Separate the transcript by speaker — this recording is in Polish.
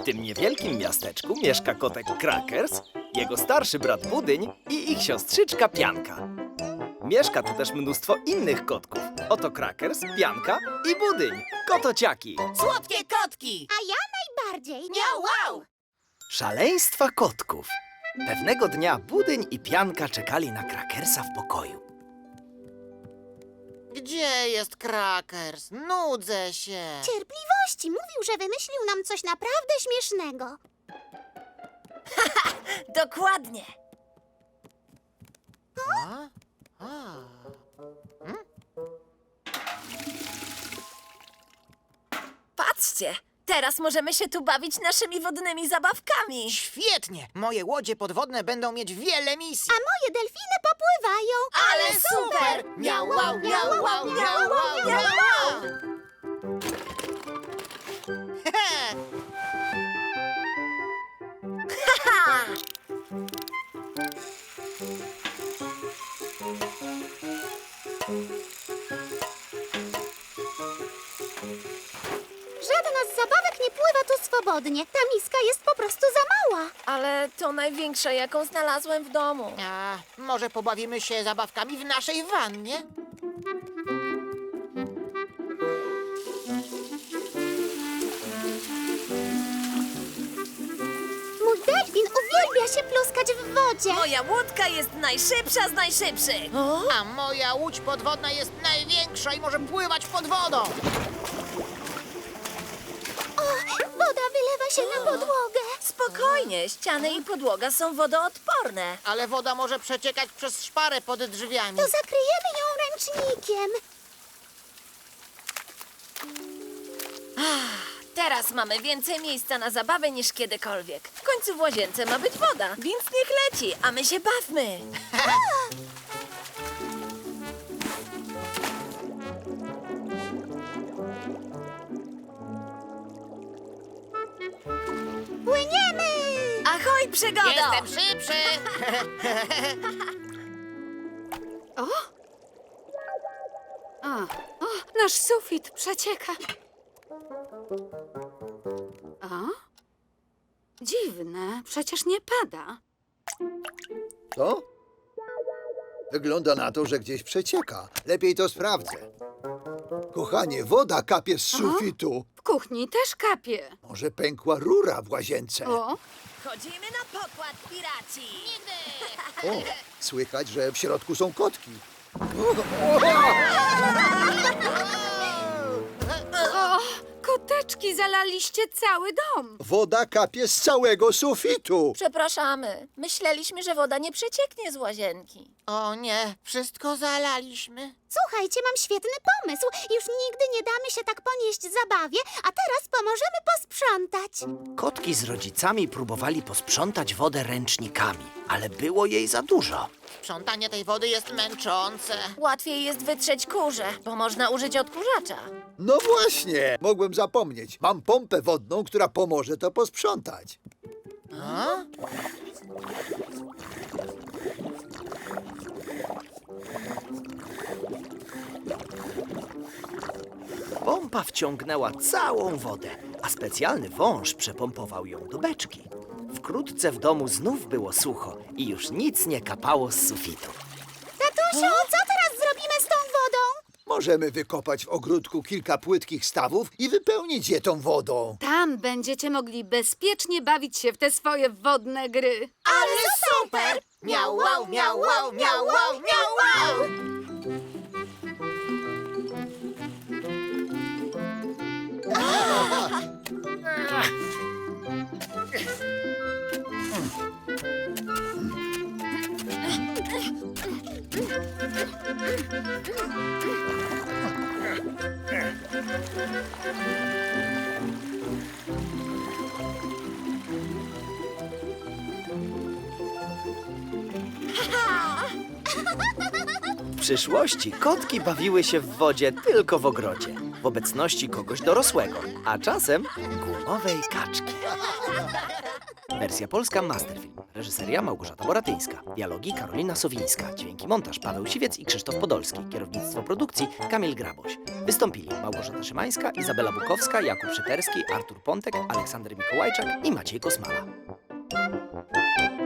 Speaker 1: W tym niewielkim miasteczku mieszka kotek Crackers, jego starszy brat Budyń i ich siostrzyczka Pianka. Mieszka tu też mnóstwo innych kotków. Oto Crackers, Pianka i Budyń, kotociaki.
Speaker 2: Słodkie kotki!
Speaker 3: A ja najbardziej.
Speaker 2: Miau, wow!
Speaker 1: Szaleństwa kotków. Pewnego dnia Budyń i Pianka czekali na Crackersa w pokoju.
Speaker 2: Gdzie jest Crackers? Nudzę się.
Speaker 3: Cierpliwości. Mówił, że wymyślił nam coś naprawdę śmiesznego.
Speaker 4: Dokładnie.
Speaker 2: A? A.
Speaker 4: Patrzcie, teraz możemy się tu bawić naszymi wodnymi zabawkami.
Speaker 2: Świetnie! Moje łodzie podwodne będą mieć wiele misji.
Speaker 3: A moje delfiny popływają.
Speaker 4: Ale super!
Speaker 2: Miau, wow, miau, wow, miau, wow, miau, wow!
Speaker 4: Ha!
Speaker 3: Żadna z zabawek nie pływa tu swobodnie. Ta miska jest po prostu za mała.
Speaker 4: Ale to największa, jaką znalazłem w domu.
Speaker 2: A może pobawimy się zabawkami w naszej wannie?
Speaker 3: Mój delfin uwielbia się pluskać w wodzie.
Speaker 4: Moja łódka jest najszybsza z najszybszych.
Speaker 2: A moja łódź podwodna jest największa i może pływać pod wodą.
Speaker 3: O, woda wylewa się na podłogę.
Speaker 4: Spokojnie, ściany i podłoga są wodoodporne.
Speaker 2: Ale woda może przeciekać przez szparę pod drzwiami.
Speaker 3: To zakryjemy ją ręcznikiem.
Speaker 4: Teraz mamy więcej miejsca na zabawę niż kiedykolwiek. W końcu w łazience ma być woda, więc niech leci, a my się bawmy.
Speaker 3: Płyniemy!
Speaker 4: Ahoj, przygodo!
Speaker 2: Jestem szybszy!
Speaker 5: O, nasz sufit przecieka. O? Dziwne, przecież nie pada.
Speaker 6: Co? Wygląda na to, że gdzieś przecieka. Lepiej to sprawdzę. Kochanie, woda kapie z sufitu.
Speaker 5: W kuchni też kapie.
Speaker 6: Może pękła rura w łazience.
Speaker 5: O,
Speaker 4: Chodzimy na pokład, piraci!
Speaker 6: O, słychać, że w środku są kotki.
Speaker 5: koteczki, zalaliście cały dom.
Speaker 6: Woda kapie z całego sufitu.
Speaker 4: Przepraszamy, myśleliśmy, że woda nie przecieknie z łazienki.
Speaker 2: O nie, wszystko zalaliśmy.
Speaker 3: Słuchajcie, mam świetny pomysł. Już nigdy nie damy się tak ponieść zabawie, a teraz pomożemy posprzątać.
Speaker 1: Kotki z rodzicami próbowali posprzątać wodę ręcznikami, ale było jej za dużo.
Speaker 2: Sprzątanie tej wody jest męczące.
Speaker 4: Łatwiej jest wytrzeć kurze, bo można użyć odkurzacza.
Speaker 6: No właśnie, mogłem zapomnieć. Mam pompę wodną, która pomoże to posprzątać.
Speaker 2: A?
Speaker 1: Pompa wciągnęła całą wodę, a specjalny wąż przepompował ją do beczki. Wkrótce w domu znów było sucho i już nic nie kapało z sufitu.
Speaker 3: Tatusiu, co teraz zrobimy z tą wodą?
Speaker 6: Możemy wykopać w ogródku kilka płytkich stawów i wypełnić je tą wodą.
Speaker 5: Tam będziecie mogli bezpiecznie bawić się w te swoje wodne gry.
Speaker 2: Ale super! Miau, wow, miau, wow, miau, wow, miau, wow!
Speaker 1: W przyszłości kotki bawiły się w wodzie tylko w ogrodzie, w obecności kogoś dorosłego, a czasem gumowej kaczki. Wersja polska Masterfilm. Reżyseria Małgorzata Boratyńska. Dialogi Karolina Sowińska. Dźwięki montaż Paweł Siwiec i Krzysztof Podolski. Kierownictwo produkcji Kamil Graboś. Wystąpili Małgorzata Szymańska, Izabela Bukowska, Jakub Szyperski, Artur Pontek, Aleksander Mikołajczak i Maciej Kosmala.